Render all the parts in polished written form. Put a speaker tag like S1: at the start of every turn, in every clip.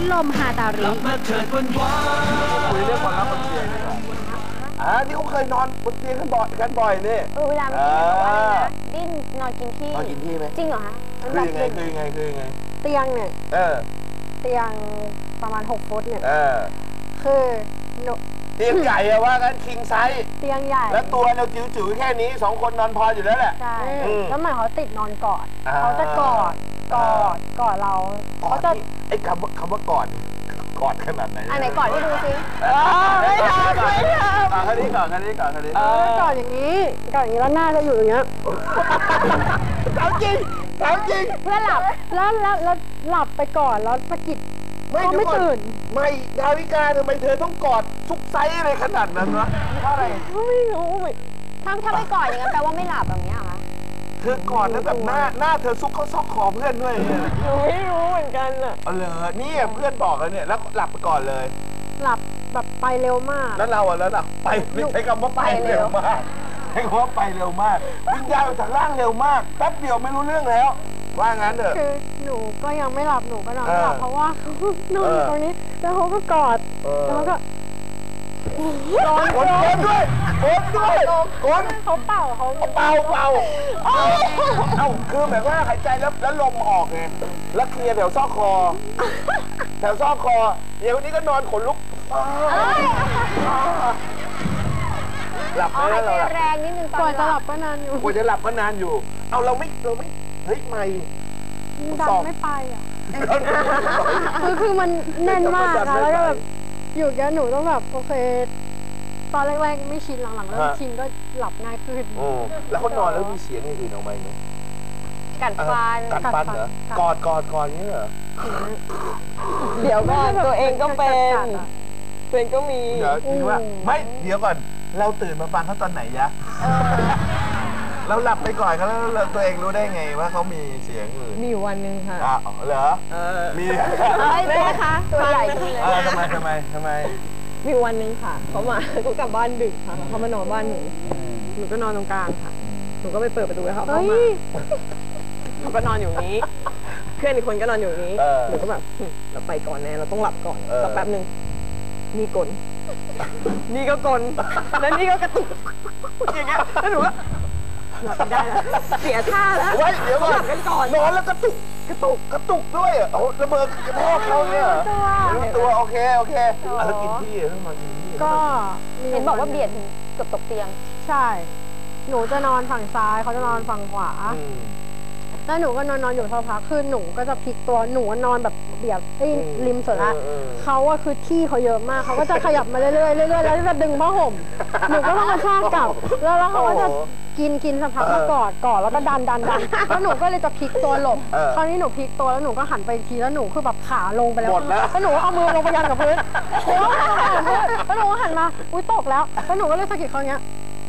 S1: ดลมฮาตาริ
S2: คุยเรื่องความรักบนเตียงดีกว่าที่เขาเคยนอนบนเตียงกันบ่อยนี่
S3: เวลาเมื่อกี้บอกว่าอะไรนะดิ้นนอนกินที่
S2: ไหม
S3: จริงเหรอคะ
S2: คือยังไง
S4: เตียงเนี่ยเตียงประมาณ6 ฟุตเนี่ยคือ
S2: เตียงใหญ่อะว่ากันคิงไซส์
S4: เตียงใหญ่
S2: แล้วตัวเราจิ๋วๆแค่นี้2 คนนอนพออยู่แล้วแหละ
S4: ใช่แล้วเหมือนเขาติดนอนกอดเขาจะกอดเราเขาจะ
S2: ไอ้คำว่ากอดขนาดไหน
S3: อันไหนกอดให้ดูซิ
S4: ไม่ทำ
S2: คันนี้ก่อน
S4: กอดอย่างนี้แล้วหน้าจะอยู่อย่างเงี้ย
S2: ถามจริง
S4: เพื่อหลับแล้วหลับไปก่อนแล้วสะกิดเขาไม่ตื่น
S2: ไม่ดาวิกาทำไมเธอต้องกอดทุกไซส์อะไรขนาดนั้นวะเพราะอะไร
S4: ไม่รู้
S3: ถ้าไม่กอดอย่างนั้นแปลว่าไม่หลับแบบนี้เหรอคะ
S2: เธอกอดแล้วแบบหน้าเธอซุกเข้าซอกคอเพื่อนด้วย
S4: หนูไม่รู้เหมือนกันอ่ะ
S2: เหรอนี่เพื่อนบอกแล้วเนี่ยแล้วหลับไปก่อนเลย
S4: หลับแบบไปเร็วมาก
S2: แล้วเราไปไม่ใช้คำว่าไปเร็วมากใช้คำว่าไปเร็วมากวิ่งยาวจากล่างเร็วมมากแป๊บเดียวไม่รู้เรื่องแล้วว่างั้นเถอะ
S4: คือหนูก็ยังไม่หลับหนูก็นอนไม่หลับเพราะว่านอนตรงนี้แล้วเขาก็กอดแล้วก็
S2: กดด้วย
S4: เขาเป่า
S2: คือแบบว่าหายใจแล้วลมออกไงแล้วเคลียร์แถวซอกคอเดี๋ยวนี้ก็นอนขนลุกหลับไม่ได้เรา
S3: แรงนิดนึง
S4: ก่อนจะหลับก็นานอยู่
S2: เอาเราไม่เฮ้ยไม่
S4: ดันไม่ไปอ่ะคือมันแน่นมากแล้วก็แบบอยู่แกหนูต้องแบบโอเคตอนแรกๆไม่ชินหลังๆแล้วชินก็หลับง่ายขึ้น
S2: แล้วเขานอนแล้วมีเสียงอื่นออกมาไหม
S3: กัดฟัน
S2: เหรอกอดนี่เหรอ
S4: เดี๋ยวก่อนตัวเองก็เป็นก็มี
S2: เดี๋ยวว่าไม่เดี๋ยวก่อนเราตื่นมาฟังเขาตอนไหนยะเราหลับไปก่อนแล้วตัวเองรู้ได้ไงว่าเขามีเสียงอื่น
S4: มีวันนึงค่ะ
S2: เหรอมี
S3: ได้ไหมคะตัวใหญ่
S2: ทำไม
S4: มีวันนึงค่ะเขากลับบ้านดึกค่ะเขามานอนบ้านหนูก็นอนตรงกลางค่ะหนูก็ไปเปิดประตูให้เขาเข้ามาเขาก็นอนอยู่นี้เพื่อนอีกคนก็นอนอยู่นี้หนูก็แบบเราไปก่อนแน่เราต้องหลับก่อนสักแป๊บนึงนี่กลนี่ก็กลแล้วนี่ก็กระตุกอย่างเงี้ยแล้วหนูก็หลับไม่ได้แล้วเสียท่าแล้ว
S2: เดี๋ยวหลับกันก่อนนอนแล้วกระตุกด้วยอ่ะระเบิดกระแทกเขาเนี่ยตัวโอเคแล้วกินที่ต้องมากินที่
S4: ก็
S3: เห็นบอกว่าเบียดเกือบตกเตียง
S4: ใช่หนูจะนอนฝั่งซ้ายเขาจะนอนฝั่งขวาแล้วหนูก็นอนอยู่สักพักคือหนูก็จะพลิกตัวหนูนอนแบบเบียดริมสุดละเขาอะคือที่เขาเยอะมากเขาก็จะขยับมาเรื่อยๆแล้วจะดึงผ้าห่มหนูก็ต้องมาชากกลับแล้วเขาก็จะกินสักพักก็กอดแล้วก็ดันแล้วหนูก็เลยจะพลิกตัวหลบคราวนี้หนูพลิกตัวแล้วหนูก็หันไปทีแล้วหนูคือแบบขาลงไปแล้วแล้วหนูเอามือลงไปยันกับพื้นแล้วหนูก็หันมาอุ้ยตกแล้วหนูก็เลยสะกิดเขาเนี้ย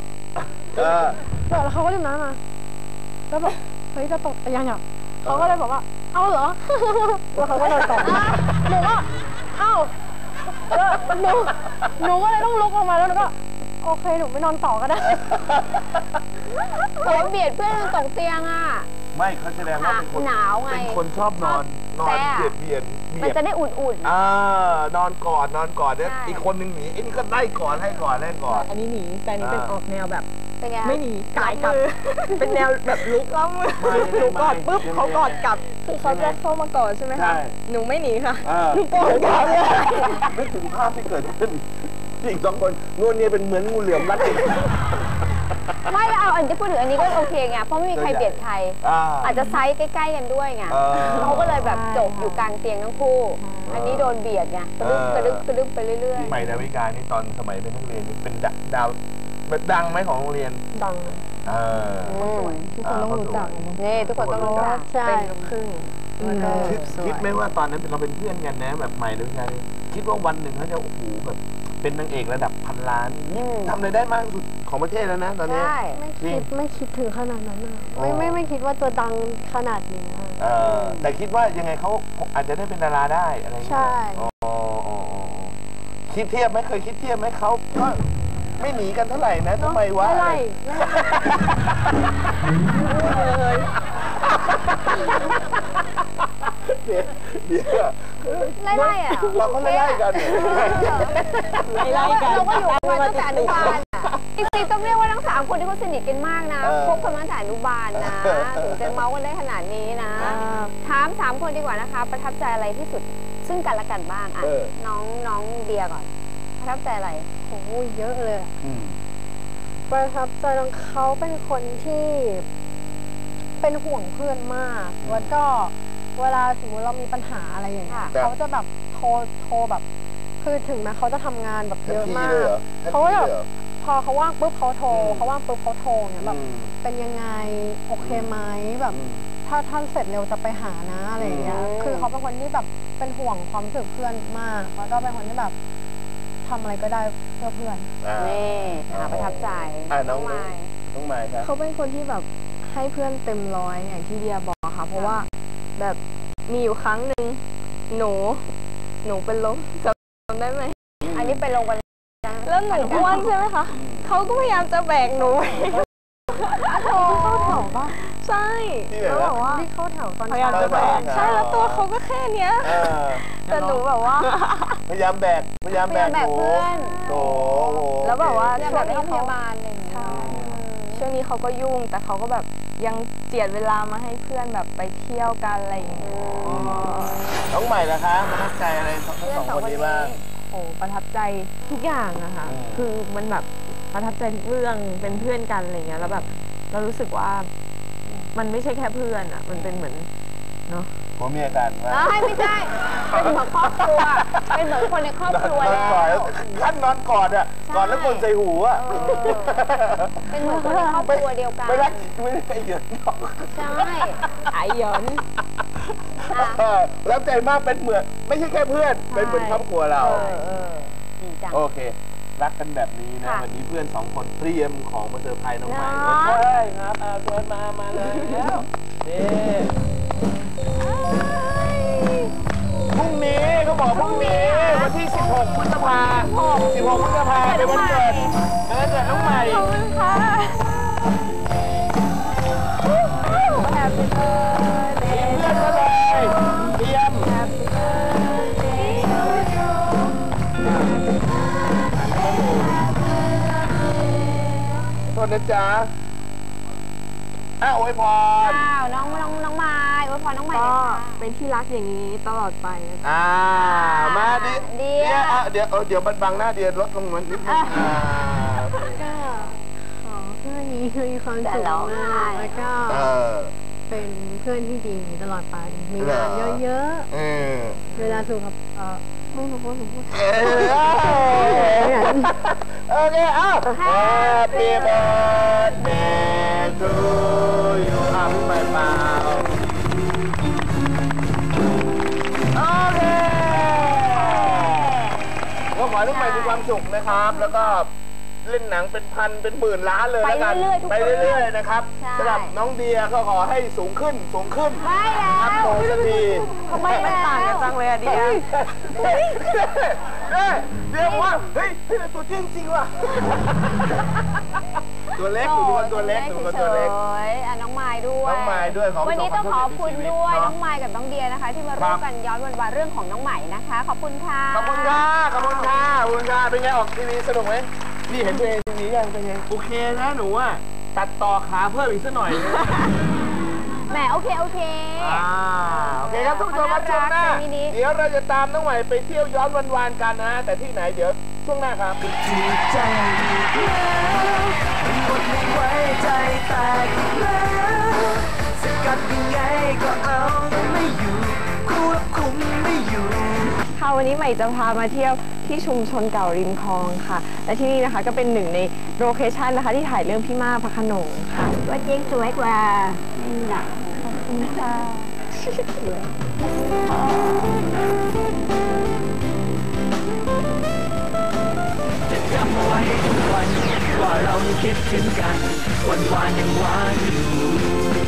S4: แล้วเขาก็ดึงน้ำมาแล้วแบบเฮ้ยจะตกยังอ่ะเขาก็เลยบอกว่าเอาเหรอแล้วเขาก็โดนตกหนูก็เอ้าแล้วหนูก็เลยต้องลุกออกมาแล้วหนูก็โอเคหนูไม่นอนต่อก็ได้
S3: เขาเบียดเพื่อนตกเตียงอ่ะ
S2: ไม่เขาแสดงว่าเป็นคน
S3: หนาวไง
S2: เป็นคนชอบนอนเบียด
S3: มันจะได้อุ่น
S2: นอนกอดเนี่ยอีกคนนึงหนีไอ้นี่ก็ไล่กอดให้กอด
S4: อันนี้หนีแต่นี้เป็นออกแนวแบบ
S3: ไม่
S4: หนีกายกลับเป็นแนวแบบลุกแล้วหนูกอดปุ๊บเขากอดกลับคือเขาจะเข้ามากอดใช่ไหมคะหนูไม่หนีค่ะหนูกอดกลับเลย
S2: นึกถึงภาพที่เกิดขึ้นอีก2 คนนู่นนี่เป็นเหมือนงูเหลือมรัด
S3: ไม่แล้วเอาอันที่พูดถึงอันนี้ก็โอเคไงเพราะไม่มีใครเบียดใครอาจจะไซส์ใกล้ๆกันด้วยไงเขาก็เลยแบบจบอยู่กลางเตียงทั้งคู่อันนี้โดนเบียดไงกระดึ๊บไปเรื่อย
S2: ๆใหม่ดาวิกานี่ตอนสมัยเป็นนักเรียนเป็นดาวดังไหมของโรงเรียน
S4: ดังทุกคนต้องรู้จัก
S3: นี่ทุกคนต้องรู้จัก
S4: ใช่ครึ่ง
S2: คิดไหมว่าตอนนั้นเราเป็นเพื่อนกันนะแบบใหม่ดาวิกาคิดว่าวันหนึ่งเขาจะโอ้โหแบบเป็นนางเอกระดับ1,000 ล้านทำอะไรได้มากสุดของประเทศแล้วนะตอนนี้
S4: ไม่คิดถึงขนาดนั้นนะไม่คิดว่าจะดังขนาดนี้
S2: แต่คิดว่ายังไงเขาอาจจะได้เป็นดาราได้อะไรอย่างเงี้ย
S4: ใช่
S2: คิดเทียบไหมเคยคิดเทียบไหมเขาก็ไม่หนีกันเท่าไหร่นะทำไมวะ
S4: ไม่
S2: เดี๋ยว
S3: ไล่ๆอ่ะ
S2: เราก็ไล่กัน
S3: ไล่กันเราก็อยู่มาตั้งแต่อนุบาลจริงๆต้องเรียกว่าทั้ง3 คนที่เขาสนิทกันมากนะคบกันมาตั้งแต่อนุบาลนะถึงจะเมาส์กันได้ขนาดนี้นะถาม3 คนดีกว่านะคะประทับใจอะไรที่สุดซึ่งกันและกันบ้างอ่ะน้องเดียก่อนประทับใจอะไร
S4: โอ้ยเยอะเลยประทับใจเขาเป็นคนที่เป็นห่วงเพื่อนมากแล้วก็เวลาสมมติเรามีปัญหาอะไรอย่างเงี้ยเขาจะแบบโทรแบบคือถึงแม้เขาจะทำงานแบบเยอะมากเขาก็แบบพอเขาว่างปุ๊บเขาโทรเขาว่างปุ๊บเขาโทรเนี่ยแบบเป็นยังไงโอเคไหมแบบถ้าท่านเสร็จเร็วจะไปหานะอะไรอย่างเงี้ยคือเขาเป็นคนที่แบบเป็นห่วงความรู้สึกเพื่อนมากแล้วก็เป็นคนที่แบบทำอะไรก็ได้เพื่อเพื่อน
S3: นี่ประทับใจ
S2: น้องไม้ครับ
S1: เขาเป็นคนที่แบบให้เพื่อนเต็มร้อยอย่างที่เดียบอกค่ะเพราะว่าแบบมีอยู่ครั้งหนึ่งหนูเป็นลมจำได้ไหม
S3: อันนี้เป็นลมกัน
S1: แล้วหนูอ้วนใช่ไหมคะเขาก็พยายามจะแบกหนู
S4: เข้าแถวป่ะ
S1: ใช่
S4: เขาบอกว่าที่เข้าแถวตอน
S1: พยายามจะแบกใช่แล้วตัวเขาก็แค่เนี้ยแต่หนูแบบว่า
S2: พยายามแบกเพื่อนโอ้
S1: แล้วแบบว่า
S3: ช่วงนี้พยาบาลหนึ่ง
S1: ช่วงนี้เขาก็ยุ่งแต่เขาก็แบบยังเจียดเวลามาให้เพื่อนแบบไปเที่ยวกันอะไรอย่างเงี้ย
S2: น้องใหม่นะคะประทับใจอะไรทั้ง2 คนนี้บ้าง
S1: โอ้ประทับใจทุกอย่างอะค่ะคือมันแบบประทับใจทุกเรื่องเป็นเพื่อนกันอะไรเงี้ยแล้วแบบเรารู้สึกว่ามันไม่ใช่แค่เพื่อนอะมันเป็นเหมือนเนาะ
S2: ผัวเมียกันว่า
S3: ไม่ใช่เป็นเหมือนครอบครัวเป็นเหมือนคนในครอบครัวแล้ว
S2: ขั้นนอนกอดอ่ะกอดแล้วคนใส่หูอ่ะ
S3: เป็นเหมือนคนในครอบครัวเดียวกัน
S2: ไม่รักไม่ได้ไปเหยินหรอก
S3: ใช่
S1: ไอเหยิน
S2: แล้วใจมากเป็นเหมือนไม่ใช่แค่เพื่อนเป็นเหมือนครอบครัวเราโอเครักกันแบบนี้นะวันนี้เพื่อน2 คนเตรียมของมาเซอร์ไพรส์น้องใหม่ใช่ครับเชิญมาเลยแล้วนี่พรุ่งนี้เขาบอกพรุ่งนี้วันที่16 พฤษภาคมเป็นวันเกิดน้องใหม่
S1: ขอบคุณค่ะแฮปปี้เบิร์ดเดย์
S2: เพื่อนมาเลยเตรียม
S1: แฮปปี้เบิร์ดเดย์
S2: โทษนะจ๊ะอวยพร
S3: น้องไม้อวยพรน้องไม้
S1: ก็เป็นที่รักอย่างนี้ตลอดไป
S2: มาดิเดี๋ยวบังหน้าเดียลดลงมันนิดนึง
S4: ก็ขอเพื่อนนี้คือมีความสุขมากแล้วก็เป็นเพื่อนที่ดีตลอดไปมีงานเยอะๆเวลาสุขไม่รู้ว่า
S2: โอเคHappy birthday to you พี่ใหม่เปล่าโอเคก็ขอให้ทุกใหม่มีความสุขนะครับแล้วก็เล่นหนังเป็นพันเป็นหมื่นล้านเลยแล้วกันไปเรื่อยๆนะครับสำหรับน้องเดียก็ขอให้สูงขึ้น
S3: ไม่แล้ว
S2: โตสักที
S1: ทำไมมันต่างกันจังเลยอะเดีย
S2: เดียว่าเฮ้ยตัวจริงว่ะตัวเล็กตัวเล็ก
S3: น้องไม้ด้วยวันนี้ต้องขอบคุณด้วยน้องไม้กับน้องเดียนะคะที่มาร่วมกันย้อนวันเรื่องของน้องใหม่นะคะขอบคุณค่ะ
S2: ขอบคุณค่ะเป็นไงออกทีวีสนุกไหมนี่เห็นตัวเองทีวียังเป็นไงโอเคนะหนูอ่ะตัดต่อขาเพิ่มอีกสักหน่อย
S3: แหมโอเค
S2: โอเคครับทุกคนมาช่วงหน้าเดี๋ยวเราจะตามน้องใหม่ไปเที่ยวย้อนวันๆกันนะแต่ที่ไหนเดี๋ยวช่วงหน้าครับถูกใจแล้วหมดไม่ไว้ใจแตกแล้วสกัดยังไงก็เอาไม่อยู่ควบคุมไม่อยู่
S1: ค่ะวันนี้ใหม่จะพามาเที่ยวที่ชุมชนเก่าริมคลองค่ะและที่นี่นะคะก็เป็นหนึ่งในโลเคชั่นนะคะที่ถ่ายเรื่องพี่ม่าพระโขนงค่ะ
S3: ว่าจริงสวยกว่านี่แหละขอบคุณค่ะ
S5: จะจำเอาไว้ทุกวันว่าเรายังคิดถึงกันวันยังหวานอยู่